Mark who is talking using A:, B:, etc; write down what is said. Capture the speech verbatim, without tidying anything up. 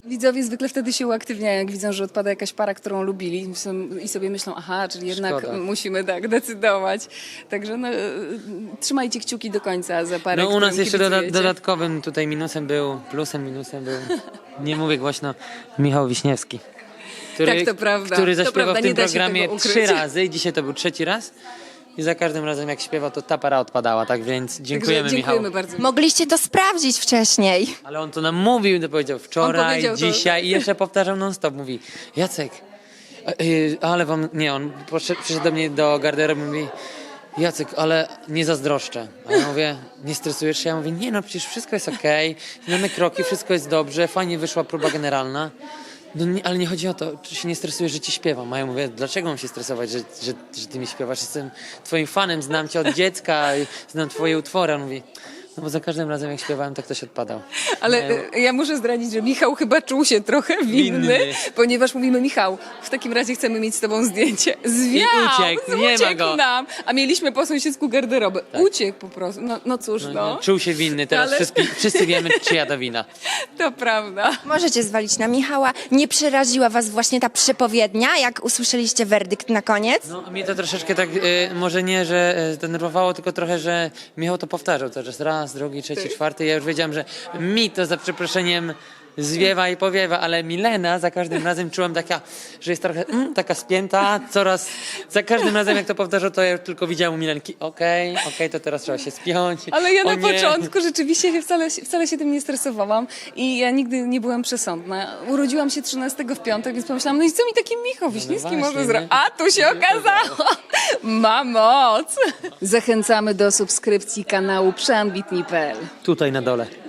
A: Widzowie zwykle wtedy się uaktywniają, jak widzą, że odpada jakaś para, którą lubili i sobie myślą, aha, czyli jednak
B: Szkoda.
A: musimy tak decydować. Także no, trzymajcie kciuki do końca za parę,
B: No u nas
A: którym
B: jeszcze doda
A: kibicujecie.
B: dodatkowym tutaj minusem był, plusem, minusem był, nie mówię głośno, Michał Wiśniewski. Który,
A: Tak, to prawda.
B: Który
A: To
B: zaśpiewał
A: prawda,
B: w tym
A: nie da się
B: programie
A: tego ukryć.
B: trzy razy i dzisiaj to był trzeci raz. I za każdym razem jak śpiewa, to ta para odpadała, tak więc dziękujemy,
A: Także dziękujemy
B: Michał.
A: bardzo.
C: Mogliście to sprawdzić wcześniej.
B: Ale on to nam mówił, to powiedział wczoraj,
A: powiedział to-
B: dzisiaj i jeszcze powtarzał non stop. Mówi, Jacek, a, y, ale wam, nie, on poszedł, przyszedł do mnie do garderoby i mówi, Jacek, ale nie zazdroszczę. A ja mówię, nie stresujesz się? Ja mówię, nie no, przecież wszystko jest okej, znamy kroki, wszystko jest dobrze, fajnie wyszła próba generalna. No nie, ale nie chodzi o to, czy się nie stresujesz, że ci śpiewam. A ja mówię, dlaczego mam się stresować, że, że, że ty mi śpiewasz? Jestem twoim fanem, znam cię od dziecka, znam twoje utwory. On mówi, no bo za każdym razem jak śpiewałem, tak ktoś odpadał.
A: Ale
B: Nie,
A: e, ja muszę zdradzić, że Michał chyba czuł się trochę winny,
B: Winny.
A: ponieważ mówimy, Michał, w takim razie chcemy mieć z tobą zdjęcie. Zwiał!
B: uciekł, nie ma
A: uciekł
B: go.
A: nam, a mieliśmy po sąsiedzku garderobę. Uciekł po prostu. No, no cóż, no,
B: no, czuł się winny, teraz
A: Ale-
B: wszyscy, wszyscy wiemy, czyja to wina.
A: to prawda.
C: Możecie zwalić na Michała. Nie przeraziła was właśnie ta przepowiednia, jak usłyszeliście werdykt na koniec?
B: No, mnie to troszeczkę tak, y, może nie, że y, zdenerwowało, tylko trochę, że Michał to powtarzał cały czas. Raz, drugi, trzeci, czwarty. Ja już wiedziałem, że mi to za przeproszeniem zwiewa i powiewa, ale Milena za każdym razem czułam taka, że jest trochę mm, taka spięta, coraz, za każdym razem jak to powtarzał, to ja tylko widziałam u Milenki, okej, okej, to teraz trzeba się spiąć.
A: Ale ja
B: O
A: na
B: nie.
A: początku rzeczywiście się wcale, wcale się tym nie stresowałam i ja nigdy nie byłam przesądna. Urodziłam się trzynastego w piątek, więc pomyślałam, no i co mi taki Michał Wiśniewski
B: właśnie,
A: może
B: nie?
A: zrobić? A tu się okazało, ma moc. Zachęcamy do subskrypcji kanału przeambitni kropka p l.
B: Tutaj na dole.